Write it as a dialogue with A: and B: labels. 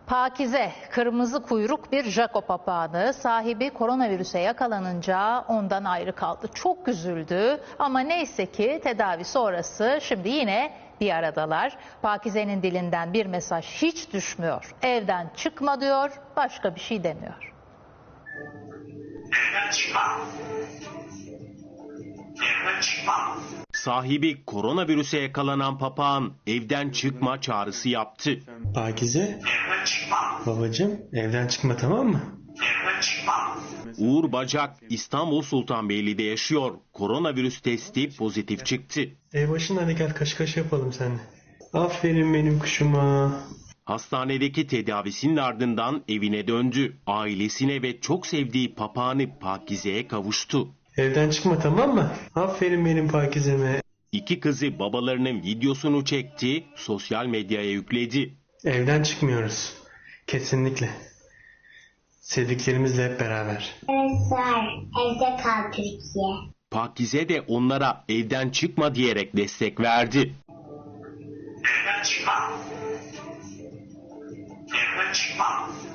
A: Pakize, kırmızı kuyruk bir Jaco papağanı, sahibi koronavirüse yakalanınca ondan ayrı kaldı. Çok üzüldü ama neyse ki tedavi sonrası şimdi yine bir aradalar. Pakize'nin dilinden bir mesaj hiç düşmüyor. Evden çıkma diyor, başka bir şey demiyor.
B: Evden çıkma. Evden çıkma.
C: Sahibi koronavirüse yakalanan papağan evden çıkma çağrısı yaptı.
D: Pakize,
B: Evden çıkma.
D: babacığım evden çıkma, tamam mı?
B: Evden çıkma.
C: Uğur Bacak İstanbul Sultanbeyli'de yaşıyor. Koronavirüs testi pozitif çıktı.
D: Ev başında hadi gel kaş kaş yapalım seninle. Aferin benim kuşuma.
C: Hastanedeki tedavisinin ardından evine döndü. Ailesine ve çok sevdiği papağanı Pakize'ye kavuştu.
D: Evden çıkma, tamam mı? Aferin benim Pakize'me.
C: İki kızı babalarının videosunu çekti, sosyal medyaya yükledi.
D: Evden çıkmıyoruz. Kesinlikle. Sevdiklerimizle hep beraber.
E: Arkadaşlar evde kal Türkiye.
C: Pakize de onlara evden çıkma diyerek destek verdi.
B: Evden çıkma. Evden çıkma.